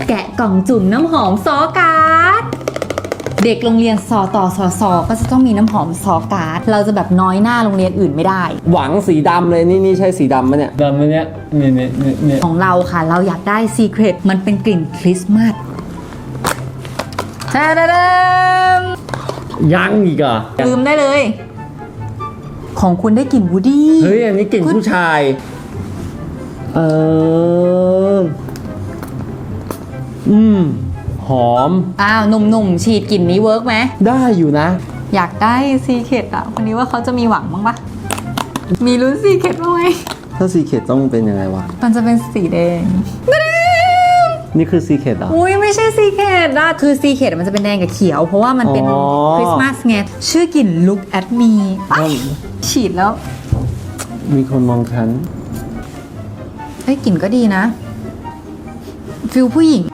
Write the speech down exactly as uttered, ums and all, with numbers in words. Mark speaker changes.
Speaker 1: แกะกล่องจุ่มน้ำหอมซอการ์ดเด็กโรงเรียนสอต่อสอสอก็จะต้องมีน้ำหอมซอการ์ดเราจะแบบน้อยหน้าโรงเรียนอื่นไม่ได้
Speaker 2: หวังสีดำเลยนี่นี่ใช่สีดำไหมเนี่ย
Speaker 3: ดำอันเนี้ยเนี่ยเนี่ยเนี่ยเนี่ย
Speaker 1: ของเราค่ะเราอยากได้ Secret มันเป็นกลิ่นคริสต์มาสตาดาดม
Speaker 3: ยังอีกอ่ะ
Speaker 1: ลืมได้เลย ของคุณได้กลิ่นวูดดี้
Speaker 2: เฮ้ยอันนี้กลิ่นผู้ชายเอออืมหอม
Speaker 1: อ้าวหนุ่มๆฉีดกลิ่นนี้เวิร์กไหม
Speaker 2: ได้อยู่นะ
Speaker 1: อยากได้ Secret อ่ะวันนี้ว่าเขาจะมีหวังบ้างปะมีลุ้น Secret บ้างไหม
Speaker 2: ถ้าซีเคทต้องเป็นยังไงวะ
Speaker 1: มันจะเป็นสีแดง
Speaker 2: นี่คือซีเคทเหรอ
Speaker 1: อุ้ยไม่ใช่ Secret อะคือ Secret มันจะเป็นแดงกับเขียว เพราะว่ามันเป็น
Speaker 2: อ๋อ
Speaker 1: คริสต์มาสไงชื่อกลิ่น Look at me อ๊ะฉีดแล้ว
Speaker 2: มีคนมองฉัน
Speaker 1: เฮ้ยกลิ่นก็ดีนะ ฟิลผู้หญิง